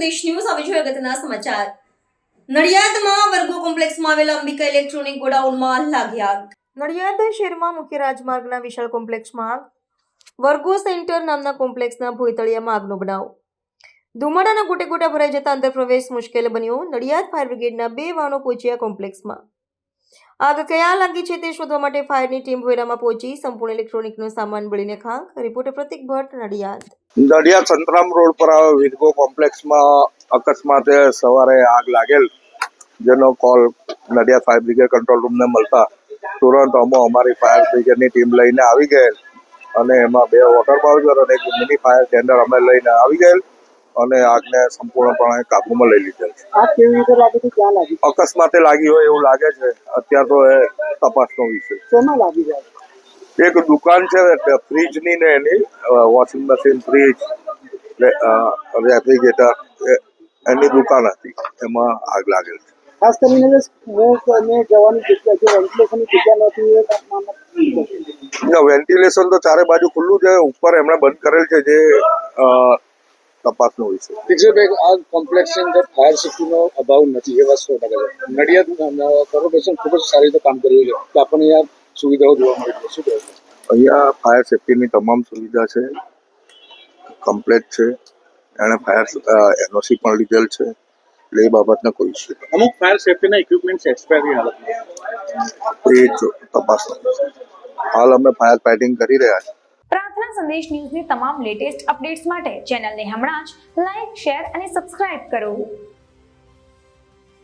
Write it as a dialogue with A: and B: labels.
A: સંદેશ ન્યૂઝ આવી જોઈએ અગત્યના સમાચાર. નડિયાદમાં વર્ગો કોમ્પ્લેક્સમાં આવેલા અંબિકા ઇલેક્ટ્રોનિક ગોડાઉનમાં લાગી આગ. નડિયાદ શહેરમાં મુખ્ય રાજમાર્ગના વિશાળ કોમ્પ્લેક્સમાં આગ. વર્ગો સેન્ટર નામના કોમ્પ્લેક્સના ભોયતળિયામાં આગનો બનાવ. ધુમાડાના ગોટે ગોટા ભરાઈ જતા અંદર પ્રવેશ મુશ્કેલ બન્યો. નડિયાદ ફાયર બ્રિગેડના 2 વાહનો પહોંચ્યા કોમ્પ્લેક્સમાં. આગ ક્યાં લાગી છે તે શોધવા માટે ફાયરની ટીમ ભોયરામાં પહોંચી. સંપૂર્ણ ઇલેક્ટ્રોનિકનો સામાન બળીને ખાખ. રિપોર્ટર પ્રતિક ભટ્ટ, નડિયાદ.
B: નડિયાદ સંતરામ રોડ પર આવેલ વિરગો કોમ્પ્લેક્સમાં અકસ્માતે સવારે આગ લાગેલ, જેનો call Nadiad fire brigade control રૂમને મળતા તુરંત અમારી ફાયર બ્રિગેડની ટીમ લઈને આવી ગયેલ અને એમાં 2 વોટર બાઉઝર અને એક મિની ફાયર ટેન્ડર અમે લઈને આવી ગયેલ અને આગને સંપૂર્ણપણે કાબૂમાં લઈ લીધેલ.
C: આગ કેવી રીતે લાગી હતી, ક્યાં લાગી?
B: અકસ્માતે લાગી હોય એવું લાગે છે. અત્યારે તો એ તપાસનો વિષય.
C: શેમાં લાગી જાય?
B: એક દુકાન છે ફ્રીજની ને એની, વોશિંગ મશીન, ફ્રીજ, રેફ્રિજરેટર એની દુકાન હતી, એમાં આગ લાગેલ છે.
C: ખાસ કરીને જે સ્મોક અને જવાની જગ્યા છે, વેન્ટિલેશનની જગ્યા નથી, એ તાપમાનમાં
B: વેન્ટિલેશન તો ચારે બાજુ ખુલ્લું છે, ઉપર એમણે બંધ કરેલ છે, જે તપાસનો વિષય.
D: વિજયભાઈ, આ કોમ્પ્લેક્સની અંદર ફાયર સેફ્ટીનો અભાવ નથી, એ વાત 100% છે. નડિયાદ કોર્પોરેશન ખૂબ જ સારી રીતે કામ કરી રહ્યું છે. આપણને અહીંયા સુવિધાઓ જોવા મળી છે. શું કહેવું?
B: અહીંયા ફાયર સેફ્ટીની તમામ સુવિધા છે, કમ્પ્લેટ છે. એણે ફાયર એનઓસી પણ લીધેલ છે, એટલે એ બાબતને કોઈ ઇસ્યુ નથી.
D: અમુક ફાયર સેફ્ટીના ઇક્વિપમેન્ટ્સ એક્સપાયરની હાલતમાં,
B: એ તપાસનો વિષય. હાલ અમે ફાયર ફાઇટિંગ કરી રહ્યા છીએ.
E: પ્રાર્થના સંદેશ ન્યૂઝની તમામ લેટેસ્ટ અપડેટ્સ માટે ચેનલને હમણાં જ લાઈક, શેર અને સબસ્ક્રાઇબ કરો.